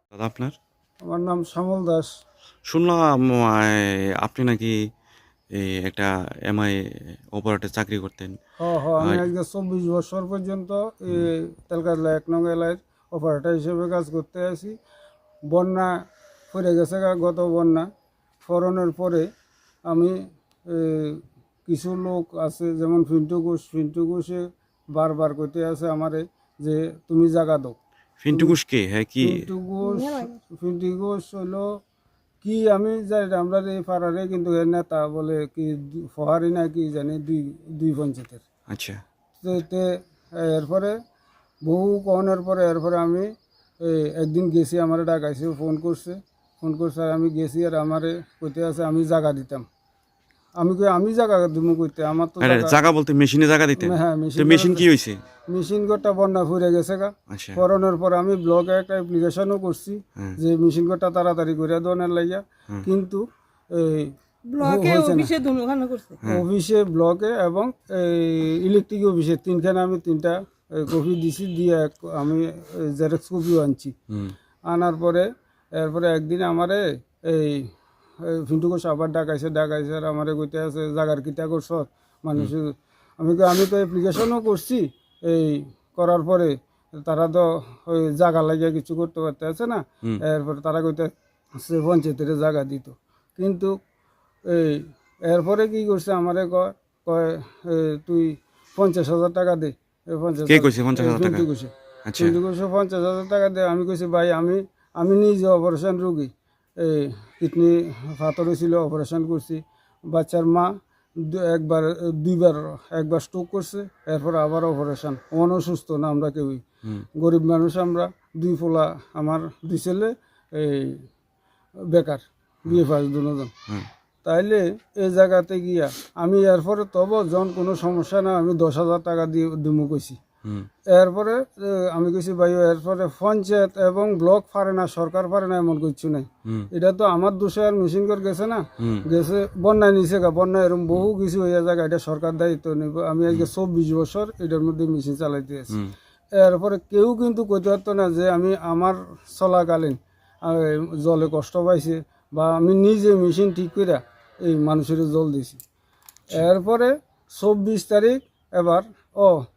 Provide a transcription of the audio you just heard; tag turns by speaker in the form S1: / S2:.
S1: দাদা আপনার?
S2: আমার নাম শ্যামল দাস।
S1: শুনলাম আপনি নাকি এই একটা এমআই অপারেটর চাকরি করতেন।
S2: আমি
S1: আহ,
S2: আজকে 24 বছর পর্যন্ত এই
S1: হুম,
S2: তেলকাতলা 1 নং এলাকায় অপারেটর হিসেবে কাজ করতে আছি। বন্যা পড়ে গেছে গত বন্যা ফরনের পরে আমি এ, কিছু লোক আছে যেমন ফিন্টু ঘোষে বারবার করতে আছে আমারে যে তুমি জায়গা দাও।
S1: ফিন্টু
S2: তুমি
S1: ঘোষ কে? হ্যাঁ কি?
S2: ফিন্টু ঘোষ ফিন্টু ঘোষ হলো কি আমি যাই আমরা এই পাড়ারে কিন্তু এর নেতা বলে কি ফহারি না কি জানি দুই দুই পঞ্চায়েতের।
S1: আচ্ছা।
S2: তো এরপরে বহু কনের পরে এরপরে আমি একদিন গেছি, আমার ডাকাইছে, ফোন করছে আর আমি গেছি আর আমারে কইতে আছে আমি জায়গা দিতাম। আমি জায়গা দিব কইতে আমার তো
S1: আরে
S2: জায়গা।
S1: জায়গা বলতে মেশিনে জায়গা দিতেন?
S2: হ্যাঁ,
S1: তো
S2: মেশিন
S1: মেশিন
S2: করাতে
S1: কি হয়েছে?
S2: মেশিন ঘরটা বন্যা ফুরে গেছে
S1: আচ্ছা।
S2: করোনার পর আমি ব্লকে একটা অ্যাপ্লিকেশনও করছি
S1: হ্যাঁ।
S2: যে মেশিন ঘরটা তাড়াতাড়ি করে দেওয়ার লাগিয়া,
S1: হুম।
S2: কিন্তু এই
S3: ব্লকে
S2: হয়েছে না।
S3: অফিসে দুখানে করছে।
S1: হ্যাঁ।
S2: অফিসে, ব্লকে এবং ইলেকট্রিক অফিসে তিনখানে আমি তিনটা কপি দিছি, দিয়ে আমি জেরক্স কপিও আনছি।
S1: হুম।
S2: আনার পরে এরপরে একদিন আমারে এই ফিন্টু ঘোষ আবার ডাকাইছে আর আমারে কইতে আছে জাগার কিটা করছ মানুষ। আমি তো অ্যাপ্লিকেশনও করছি, এই করার পরে তারা তো ওই জায়গা লাগিয়ে কিছু করতে পারতে আছে না।
S1: হুম।
S2: এরপরে তারা কইতে সে পঞ্চায়েতের জায়গা দিত, কিন্তু এই এরপরে কি করছে আমারে কয় কয় তুই 50,000 টাকা দে। এই
S1: কে কইছে 50,000 টাকা?
S2: ফিন্টু ঘোষে
S1: আচ্ছা।
S2: ফিন্টু ঘোষে 50,000 টাকা দে। আমি কইছি ভাই আমি নিজে অপারেশন রুগী, এই কিডনি ফাতর হয়েছিল, অপারেশন করছি। বাচ্চার মা একবার দুইবার, একবার স্ট্রোক করছে, এরপর আবার অপারেশন। অসুস্থ না আমরা কেউই,
S1: হুম।
S2: গরিব মানুষ আমরা। দুই পোলা আমার, দুই ছেলে এই বেকার, বিয়ে পাস দুজন।
S1: হুম।
S2: তাইলে এই জায়গাতে গিয়া আমি এরপরে তবু যখন কোনো সমস্যা না আমি 10,000 টাকা দিয়ে দিমু কইছি।
S1: হুম।
S2: এরপরে আমি কইছি ভাই এরপরে পঞ্চায়েত এবং ব্লক পারে না, সরকার পারে না এমন কিছু নাই।
S1: হুম।
S2: এটা তো আমার দোষে আর মেশিন করে গেছে না,
S1: হুম।
S2: গেছে বন্যায় নিচে বন্যায় এরকম বহু কিছু হয়ে যায়, এটা সরকার দায়িত্ব নিব। আমি আজকে 24 বছর এটার মধ্যে মেশিন চালাইতে আছি।
S1: হুম।
S2: এরপরে কেউ কিন্তু কইতে পারতো না যে আমি আমার চলাকালীন জলে কষ্ট পাইছে বা আমি নিজে মেশিন ঠিক করে এই মানুষের জল দিছি। এরপরে 24 তারিখ এবার